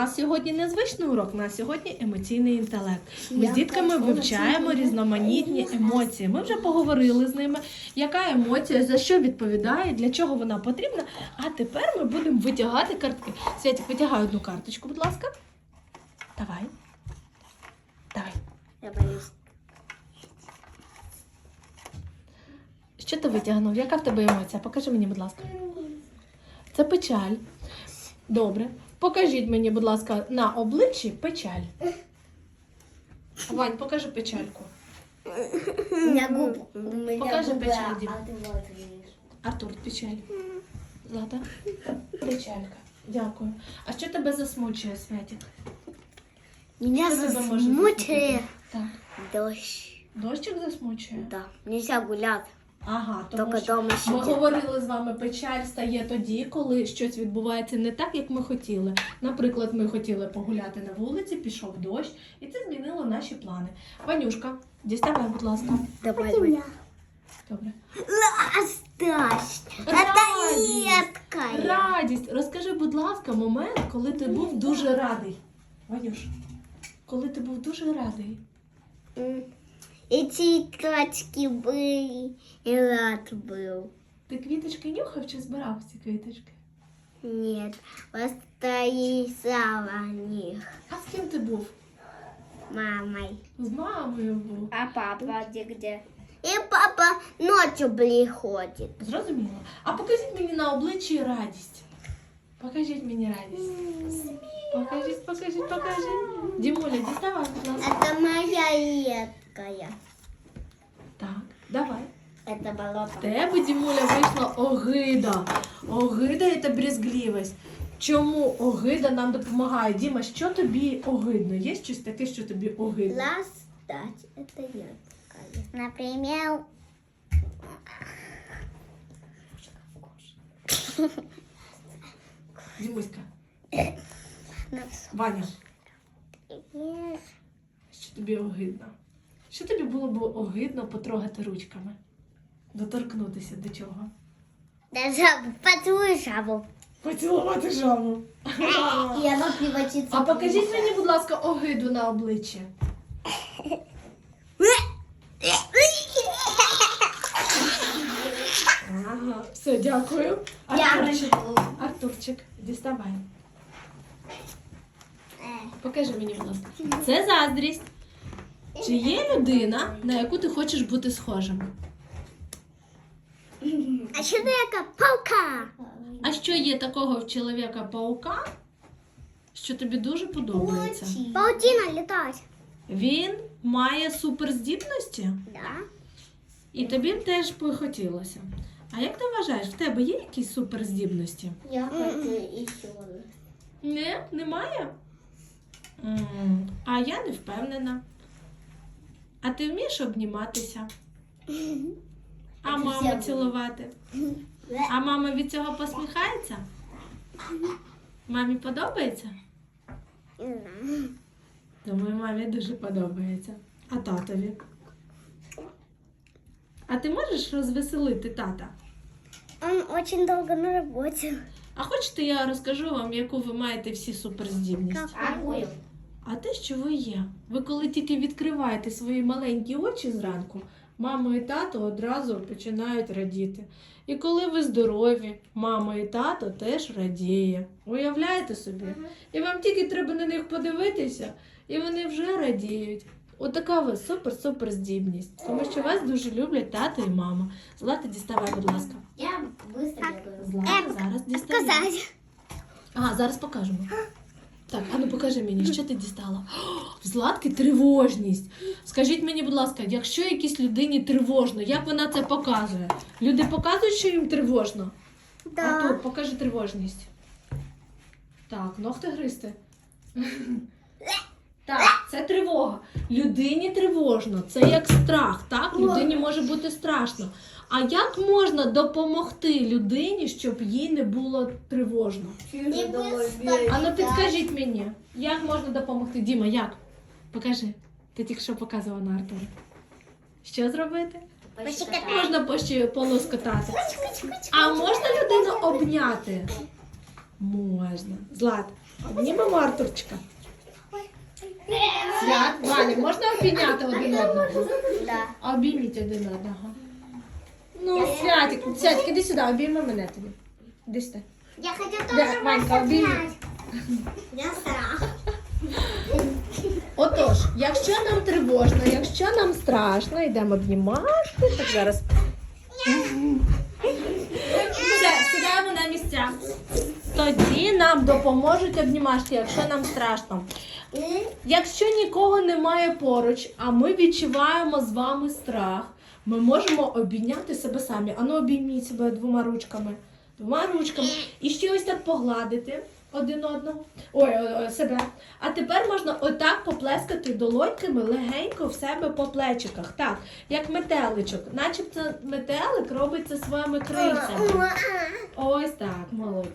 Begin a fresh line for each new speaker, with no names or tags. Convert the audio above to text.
нас сьогодні незвичний урок, у нас сьогодні емоційний інтелект. Ми з дітками вивчаємо різноманітні емоції. Ми вже поговорили з ними, яка емоція, за що відповідає, для чого вона потрібна. А тепер ми будемо витягати картки. Святик, витягай одну карточку, будь ласка. Давай. Давай.
Я боюсь.
Що ти витягнув? Яка в тебе емоція? Покажи мені, будь ласка. Це печаль. Добре. Покажіть мені, будь ласка, на обличчі печаль. Вань, покажи печальку.
У меня губы. У меня
Покажи
губы,
печаль,
а
Дим.
ты вот видишь.
Артур, печаль. Злата? Печалька. Дякую. А що тебе засмучує, Святик?
Меня
Что тебя может
засмучает
Так.
дождь.
Дощик засмучує?
Да, нельзя гулять.
Ага, тому
Тільки
що
дома
ми
сидіти.
говорили з вами, печаль стає тоді, коли щось відбувається не так, як ми хотіли. Наприклад, ми хотіли погуляти на вулиці, пішов дощ, і це змінило наші плани. Ванюшка, діставай, будь ласка.
Давай.
Добре.
Оставь.
Радість.
редкая.
Радість. Розкажи, будь ласка, момент, коли ти був дуже радий. Ванюш, коли ти був дуже радий.
И цветочки были, и рад был.
Ти квіточки нюхав чи збирав ці квіточки?
Нет, просто рисовала них
А з ким ти був?
мамой.
З мамою був.
А папа где? И папа ночью приходит.
Зрозуміло. А покажіть мені на обличчі радість. Покажіть мені радість. Покажіть. Дімуля, діставай, будь ласка.
Это моя редкая.
Так, давай.
Это болото.
В тебе, Дімуля, вийшла огида. Огида – це брезгливість. Чому огида нам допомагає? Діма, що тобі огидно? Є щось таке, що тобі огидно?
Ластать, это редкая. Например,
Дімуська, Ваня, що тобі огидно? Що тобі було б огидно потрогати ручками? Доторкнутися до чого?
да жабу, поцелуй жабу.
Поцілувати жабу.
И она превратится
А покажіть мені, будь ласка, огиду на обличчі. Ага, все, дякую. Артурчик, Артурчик, діставай. Покажи мені, будь ласка. Це заздрість. Чи є людина, на яку ти хочеш бути схожим?
А человека паука.
А що є такого в чоловіка-паука, що тобі дуже подобається?
Паутина летать.
Він має суперздібності?
Да.
І тобі б теж би хотілося. А як ти вважаєш, в тебе є якісь суперздібності?
Я хочу еще.
Ні, немає? А я не впевнена. А ти вмієш обніматися? А
Це
маму
всі
цілувати? А мама від цього посміхається? Мамі подобається? Думаю, мамі дуже подобається. А татові? А ти можеш розвеселити тата?
Он очень долго на работе.
А хочете, я розкажу вам, яку ви маєте всі суперздібність?
Какую?
А те, що ви є. Ви коли тільки відкриваєте свої маленькі очі зранку, мама і тато одразу починають радіти. І коли ви здорові, мама і тато теж радіє. Уявляєте собі? І вам тільки треба на них подивитися, і вони вже радіють. Отака у вас супер-супер здібність. Тому що вас дуже люблять тато і мама. Злата, діставай, будь ласка.
Я быстро бегаю.
Злата, зараз діставай.
Сказать.
Ага, зараз покажемо. Так, а ну покажи мені, що ти дістала? О, в Златки тривожність. Скажіть мені, будь ласка, якщо якійсь людині тривожно, як вона це показує? Люди показують, що їм тривожно?
Да.
Артур, покажи тривожність. Так, ногти гристи. Так, це тривога. Людині тривожно, це як страх, так? Людині може бути страшно. А як можна допомогти людині, щоб їй не було тривожно? А ну підкажіть мені, як можна допомогти? Діма, як? Покажи. Ти тільки що показувала на Артура. Що зробити? Можна полоскотати. А можна людину обняти? Можна. Злат, Обнімемо Артурчика. Свят, Ваня, можна обійняти один одного?
Да.
Обійміть один одного. Ну, Святик, іди сюди, обійми мене тобі. Іди сюди.
Я хочу
Да,
тоже
Ванька, обійми.
Я страх.
Отож, якщо нам тривожно, якщо нам страшно, йдемо обнімати. Так, зараз. Все, сідаємо на місця. Тоді нам допоможуть обнімашки, якщо нам страшно. Якщо нікого немає поруч, а ми відчуваємо з вами страх, ми можемо обійняти себе самі. Ану, обійміть себе двома ручками. Двома ручками. І ще ось так погладити один одного. Ой, себе. А тепер можна отак поплескати долоньками легенько в себе по плечиках. Так, як метеличок. Начебто метелик робить це своїми крильцями. Ось так, молодці.